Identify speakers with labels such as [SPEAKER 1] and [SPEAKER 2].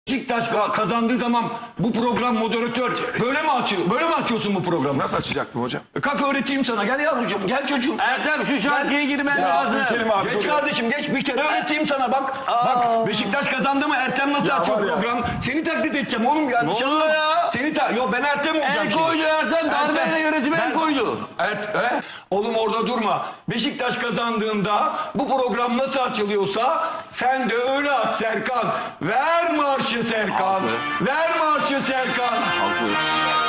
[SPEAKER 1] Beşiktaş kazandığı zaman bu program moderatör böyle mi açıyor? Böyle mi açıyorsun bu programı?
[SPEAKER 2] Nasıl açacak bu hocam?
[SPEAKER 1] Kalk öğreteyim sana. Gel yavrucuğum, gel çocuğum.
[SPEAKER 3] Ertem şu şarkıya girmen lazım.
[SPEAKER 2] Geçelim abi.
[SPEAKER 1] Geç
[SPEAKER 2] dur.
[SPEAKER 1] kardeşim, geç bir kere öğreteyim sana bak. Bak Beşiktaş kazandı mı Ertem nasıl açıyor
[SPEAKER 2] var ya.
[SPEAKER 1] program? Seni taklit edeceğim oğlum ya.
[SPEAKER 3] Ne oluyor ya?
[SPEAKER 1] Yo ben Ertem olacağım
[SPEAKER 3] El
[SPEAKER 1] şimdi.
[SPEAKER 3] koydu Ertem. Darbeyle
[SPEAKER 1] Ertem,
[SPEAKER 3] yönetimi el koydu.
[SPEAKER 1] Oğlum orada durma. Beşiktaş kazandığında bu program nasıl açılıyorsa sen de öyle aç Serkan. Ver marşı Serkan. Ver marşı Serkan.
[SPEAKER 3] Haklı.